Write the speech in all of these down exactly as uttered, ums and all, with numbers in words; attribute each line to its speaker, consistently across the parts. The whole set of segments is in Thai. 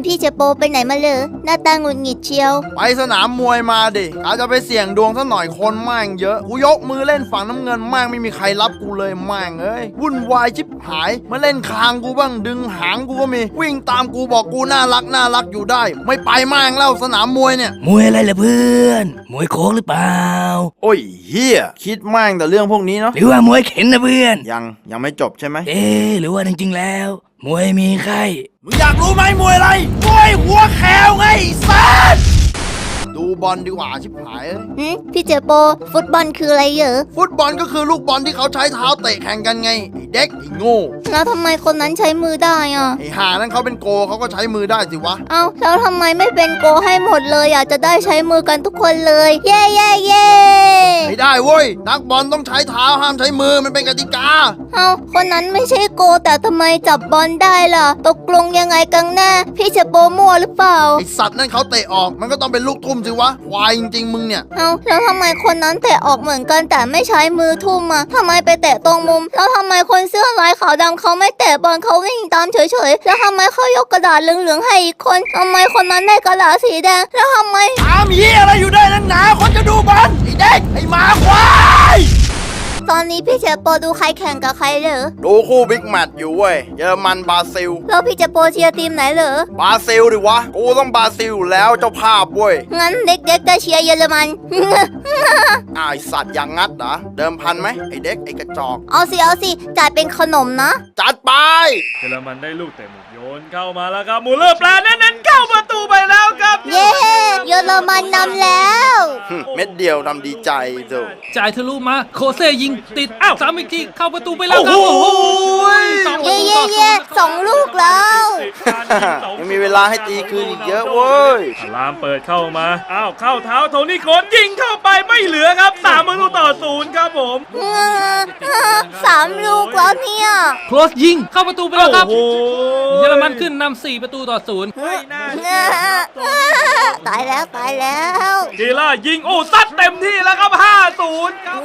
Speaker 1: พี่เจโปไปไหนมาเลยหน้าตาหงุดหงิดเชียว
Speaker 2: ไปสนามมวยมาดิอาจจะไปเสี่ยงดวงสักหน่อยคนแม่งเยอะกูยกมือเล่นฝั่งน้ำเงินแม่งไม่มีใครรับกูเลยแม่งเอ้ยวุ่นวายชิบหายมาเล่นคางกูบ้างดึงหางกูก็มีวิ่งตามกูบอกกูน่ารักน่ารักอยู่ได้ไม่ไปแม่งแล้วสนามมวยเนี่ย
Speaker 3: มวยอะไรล่ะเพื่อนมวยโค้งหรือเปล่า
Speaker 2: โอ้ยเฮียคิดแม่งแต่เรื่องพวกนี้เนาะ
Speaker 3: หรือว่ามวยเข็นนะเพื่อน
Speaker 2: ยังยังไม่จบใช่ไหม
Speaker 3: เอ๊หรือว่าจริงๆแล้วมวยมีไข้
Speaker 2: มึงอยากรู้ไหมมวยอะไรมวยหัวแขวไงสัสดูบอลดีกว่าชิบหาย
Speaker 1: หืมพี่เจโปฟุตบอลคืออะไรเหรอ
Speaker 2: ฟุตบอลก็คือลูกบอลที่เขาใช้เท้าเตะแข่งกันไงไอ้เด็กไอ้โง่
Speaker 1: แล้วทำไมคนนั้นใช้มือได้อ่ะ
Speaker 2: ไอ้ห่านั้นเขาเป็นโกเขาก็ใช้มือได้สิวะ
Speaker 1: เอ้าแล้วทำไมไม่เป็นโกให้หมดเลยอยากจะได้ใช้มือกันทุกคนเลยเย่เย่เย่
Speaker 2: ไม่ได้เว้ยนักบอลต้องใช้เท้าห้ามใช้มือมันเป็นกติกา
Speaker 1: เอ้าคนนั้นไม่ใช่โกแต่ทำไมจับบอลได้ล่ะตกลงยังไงกันแน่พี่เจโปมั่วหรือเปล่า
Speaker 2: ไอสัตว์นั่นเขาเตะออกมันก็ต้องเป็นลูกทุ่มสิวะควายจริงๆมึงเนี่ย
Speaker 1: เอ้าแล้วทำไมคนนั้นเตะออกเหมือนกันแต่ไม่ใช้มือทุ่มอ่ะทำไมไปเตะตรงมุมแล้วทำไมคนเสื้อลายขาวดำเขาไม่เตะบอลเขาวิ่งตามเฉยๆแล้วทำไมเขายกกระดาษเหลืองๆให้อีกคนทำไมคนนั้นได้กระดาษสีแดงแล้วทำไม
Speaker 2: ตามเหี้ยอะไรอยู่ได้นักหนาคนจะดูบอลไอเด็กไอหมาควาย
Speaker 1: ตอนนี้พี่เจโปดูใครแข่งกับใครเหรอ
Speaker 2: ดูคู่บิ๊กแมตช์อยู่เว้ยเยอรมันบราซิล
Speaker 1: แล้วพี่เจโปเชียร์ทีมไหนเหรอบ
Speaker 2: ราซิลดิวะกูต้องบราซิลแล้วเจ้าภาพเว้ย
Speaker 1: งั้นเด็กๆจะเชียร์เยอรมัน
Speaker 2: ไอสัตว์อย่างงัดเหรอเดิมพันไหมไอเด็กไอกระจอก
Speaker 1: เอาสิเอาสิจ่ายเป็นขนมนะ
Speaker 2: จัดไป
Speaker 4: เยอรมันได้ลูกเตะมุมโยนเข้ามาแล้วครับมูเลอร์แปลเน้นๆเข้าประตูไปแล้วครับ
Speaker 1: เย้เยอรมันนำแล้ว
Speaker 2: เม็ดเดียวนำดีใจดู
Speaker 5: จ่ายทะลุมาโคเซ่ยิงติดอ้าวสามอีกทีเข้าประตูไปแล้วครับโอ้โห
Speaker 1: เย้เย้เย้สองลูกแล้ว
Speaker 2: ยังมีเวลาให้ตีคืนอีกเยอะเว้ย
Speaker 4: ลามเปิดเข้ามาอ้าวเข้าเท้าโทนี่โคสยิงเข้าไปไม่เหลือครับสามประตูต่อศูนย์ครับผม
Speaker 1: สามลูกแล้วเนี่ย
Speaker 5: โคลสยิงเข้าประตูไปแล้วครับเยอรมันขึ้นนำสี่ประตูต่อศูนย์
Speaker 1: ตายแล้วตายแล้ว
Speaker 4: เจล่ายิงโอ้ซัดเต็มที่แล้วครับห้าศูนย์ครับ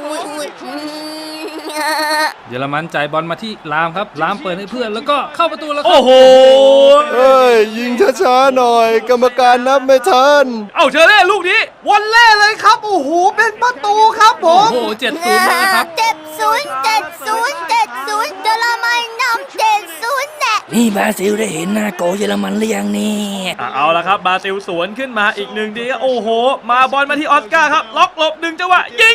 Speaker 5: เยอรมันจ่ายบอลมาที่ลามครับลามเปิดให้เพื่อนแล้วก็เข้าประตูแล้ว
Speaker 4: โอ้โห
Speaker 2: เอ้ยยิงช้าๆหน่อยกรรมการนับไม่ทัน
Speaker 4: เอาเชอเล่ลูกนี้วันเล่เลยครับโอ้โหเป็นประตูครับผม
Speaker 5: โอ้โหเจ็ดศูนย์นะครับ
Speaker 1: เจ็ดศูนย์เจ็ดศูนย์เจ็ดศูนย์เยอรมันนำเจ็ดศูนย์แน่
Speaker 3: นี่บราซิลได้เห็นหน้าโกเยอรมันหรือยังนี่
Speaker 4: เอาละครับบราซิลสวนขึ้นมาอีกหนึ่งทีโอ้โหมาบอลมาที่ออสการ์ครับล็อกหลบหนึ่งจังหวะยิง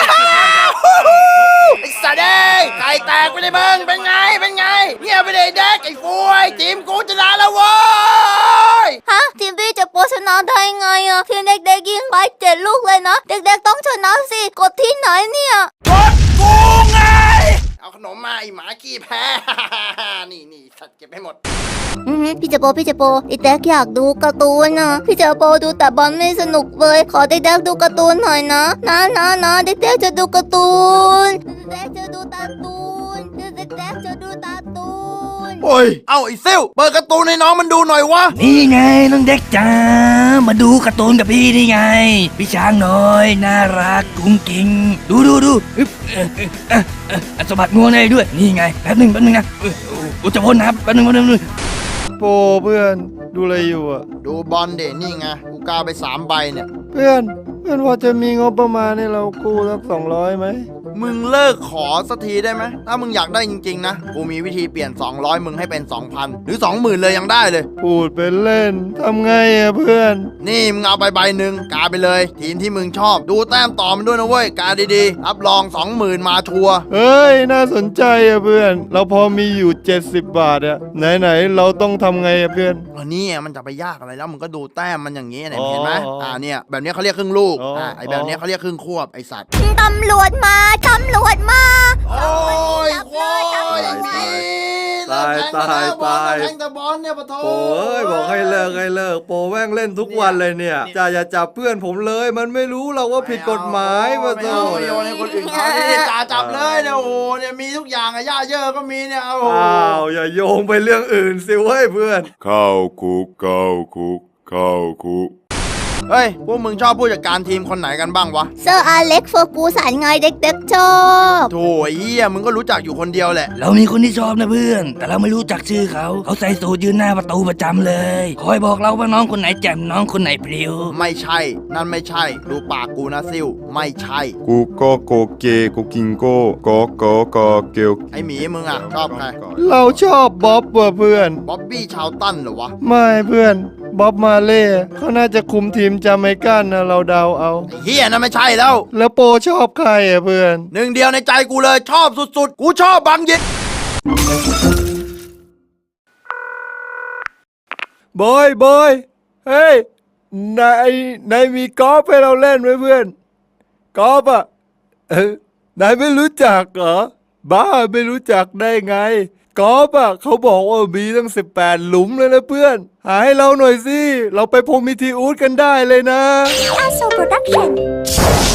Speaker 2: ไอ้สัตว์เอ้ยไก่แตกไปเลยมึงเป็นไงเป็นไงเงียบไปเลยเด็กไอ้ฟวยทีมกูชนะแล้วเว้ย
Speaker 1: ฮะทีมพี่จะโปชนะได้ไงอ่ะทีมเด็กๆยิงไปเจ็ดลูกเลยนะเด็กๆต้องชนะสิกดที่ไหนเนี่ย
Speaker 2: กดกูไงเอาขนมมาไอ้หมาขี้แพ้นี่นี่สัตว์เก็บให้หมด
Speaker 1: พี่เจโปพี่เจโปไอ้แดกอยากดูการ์ตูนนะพี่เจโปดูแต่บอลไม่สนุกเลยขอเด็กๆดูการ์ตูนหน่อยนะนะนะนะเด็กๆจะดูการ์ตูนเด็กๆจะดูการ์ตูนเด็กๆจะดูการ์ตูน
Speaker 2: โอ้ยเอาไอ้ซิ่วเปิดการ์ตูนให้น้องมันดูหน่อยวะ
Speaker 3: นี่ไงน้องเด็กจ้ามาดูการ์ตูนกับพี่นี่ไงพี่ช้างน้อยน่ารักกุ้งกิ้งดูดูดูสะบัดงวงได้ด้วยนี่ไงแป๊บหนึ่งแป๊บหนึ่งนะอุจจาระนะครับแป๊บหนึ่งแป๊บหนึ่ง
Speaker 6: โปเพื่อนดูอะไรอยู่อ่ะ
Speaker 2: ดูบอลเด่นนี่ไงกูกาไปสามใบเนี่ย
Speaker 6: เพื่อนเพื่อนว่าจะมีงบประมาณให้เรากู้สักสองร้อยไหม
Speaker 2: มึงเลิกขอสักทีได้ไหมถ้ามึงอยากได้จริงๆนะกูมีวิธีเปลี่ยนสองร้อยมึงให้เป็น สองพัน หรือ สองหมื่น เลยยังได้เลย
Speaker 6: พูดเป็นเล่นทำไงอ่ะเพื่อน
Speaker 2: นี่มึงเอาไปใบหนึ่งกาไปเลยทีมที่มึงชอบดูแต้มต่อมันด้วยนะเว้ยกาดีๆรับรอง สองหมื่น มาชัวร์
Speaker 6: เฮ้ยน่าสนใจอ่ะเพื่อนเราพอมีอยู่เจ็ดสิบบาทอ่ะไหนๆเราต้องทำไงอ่ะเพื่อน
Speaker 2: อันนี้มันจะไปยากอะไรแล้วมึงก็ดูแต้มมันอย่างงี้เนี่ยเห็นไหมอ่าเนี่ยแบบนี้เขาเรียกครึ่งลูกอ่าไอแบบนี้เขาเรียกครึ่งควบไอสัตว์
Speaker 1: ตำรวจมาตำรวจมา
Speaker 2: โอ้ยโอ้ย
Speaker 6: ตายตายตาย
Speaker 2: แทงแต่บอลเนี่ยปะโถ
Speaker 6: โอ้ยบอกให้เลิกให้เลิกโปแม่งเล่นทุกวันเลยเนี่ยจ่าอย่าจับเพื่อนผมเลยมันไม่รู้เราว่าผิดกฎหมายปะโถ
Speaker 2: โยนให้คนอื่นเขาเนี่ยจ่าจับเลยเนี่ยโอ้เนี่ยมีทุกอย่างอะย่าเยอะก็มีเนี่ยโอ้
Speaker 6: อ้าวอย่าโยงไปเรื่องอื่นสิเว้ยเพื่อน
Speaker 7: เข้าคุกเข้าคุกเข้าคุก
Speaker 2: เฮ้ยพวกมึงชอบผู้จัดการทีมคนไหนกันบ้างวะ
Speaker 1: เซอร์อเล็กซ์เฟอร์กูสันไงเด็กๆชอบ
Speaker 2: โถ่ไอ้เหี้ยมึงก็รู้จักอยู่คนเดียวแหละ
Speaker 3: เรามีคนที่ชอบนะเพื่อน แต่เราไม่รู้จักชื่อเขา เขาใส่สูทยืนหน้าประตูประจำเลย คอยบอกเราว่าน้องคนไหนแจ่มน้องคนไหนพลิ้ว
Speaker 2: ไม่ใช่ นั่นไม่ใช่ ดูปากกูนะซิวไม่ใช่
Speaker 7: กูก็โกเกกูกิงโก้โกโกโกเกล
Speaker 2: ไอหมีมึงอะชอบใคร
Speaker 6: เราชอบบ๊อบว่ะเพื่อน
Speaker 2: บ๊อบบี้ชาวตันเหรอวะ
Speaker 6: ไม่เพื่อนบ๊อบมาเล่เขาน่าจะคุมทีมจาเมกันนะเราเดาเอา
Speaker 2: ไอ้เหี้ยนั่นไม่ใช่แล้ว
Speaker 6: แล้วโปชอบใครอ่ะเพื่อน
Speaker 2: หนึ่งเดียวในใจกูเลยชอบสุดๆ กูชอบบังยิด
Speaker 6: บอยบอยเฮ้ยนายนายมีกอล์ฟให้เราเล่นไหมเพื่อนกอล์ฟอ่ะเออนายไม่รู้จักเหรอบ้าไม่รู้จักได้ไงกอล์ฟอ่ะเขาบอกว่ามีตั้งสิบแปดหลุมเลยนะเพื่อนหาให้เราหน่อยสิเราไปพรหมมิทีอูดกันได้เลยนะ
Speaker 1: อาโซโปรดักชั่น